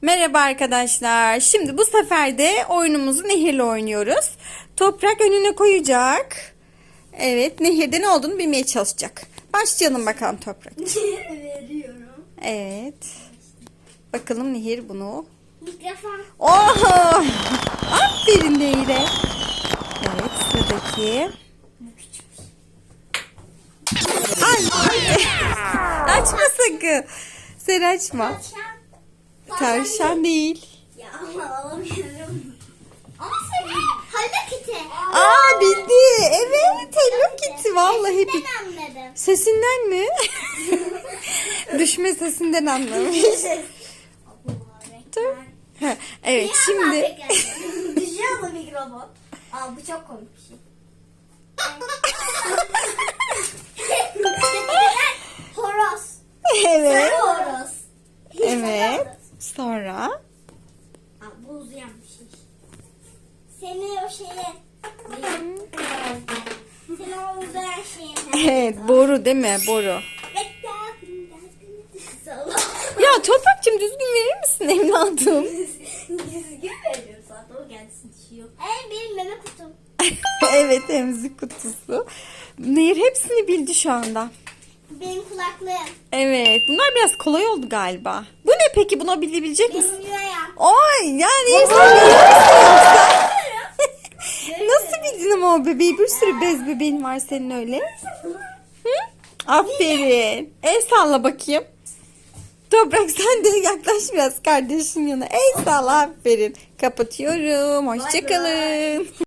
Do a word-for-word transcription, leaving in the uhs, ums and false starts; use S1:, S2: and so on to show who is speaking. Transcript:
S1: Merhaba arkadaşlar. Şimdi bu sefer de oyunumuzu Nehir'le oynuyoruz. Toprak önüne koyacak. Evet, Nehir'de ne olduğunu bilmeye çalışacak. Başlayalım bakalım Toprak.
S2: Veriyorum.
S1: Evet. Bakalım Nehir bunu.
S2: Mikrofon.
S1: Oho! Aferin Nehir'e. Evet, sıradaki. Ay! Açma sakın. Sen açma. Tavşan değil.
S2: Ya ama alamıyorum. Ama sen Hello Kitty.
S1: Aa bildi. Evet, Hello Kitty. Vallahi bir.
S2: Ben anladım.
S1: Sesinden mi? Düşme sesinden anlamış. Dur. Ha, evet şimdi.
S2: Düşüyor mu mikrofon? Aa bu çok komik bir şey. Horoz.
S1: Evet.
S2: Sarı horoz.
S1: Evet. Sonra.
S2: Aa, bu uzayan bir şey. Seni o şeye... Seni o uzayan şeyin...
S1: Evet, boru değil mi? Boru.
S2: Salla.
S1: Ya Toprak'cığım düzgün verir misin evladım?
S2: Düzgün veriyorum zaten o gelsin düşüyor. Ee benim meme kutum.
S1: Evet, emzik kutusu. Nehir hepsini bildi şu anda.
S2: Benim kulaklığım.
S1: Evet, bunlar biraz kolay oldu galiba. Bu ne peki? Buna bilebilecek misin?
S2: Benim yüreğim.
S1: Ay, yani Nehir sen biliyor musun yoksa? Nasıl bildin ama o bebeği? Bir sürü bez bebeğin var senin öyle. Hı? Aferin. El salla bakayım. Toprak sen de yaklaş biraz kardeşin yanına. El salla, aferin. Kapatıyorum. Hoşçakalın.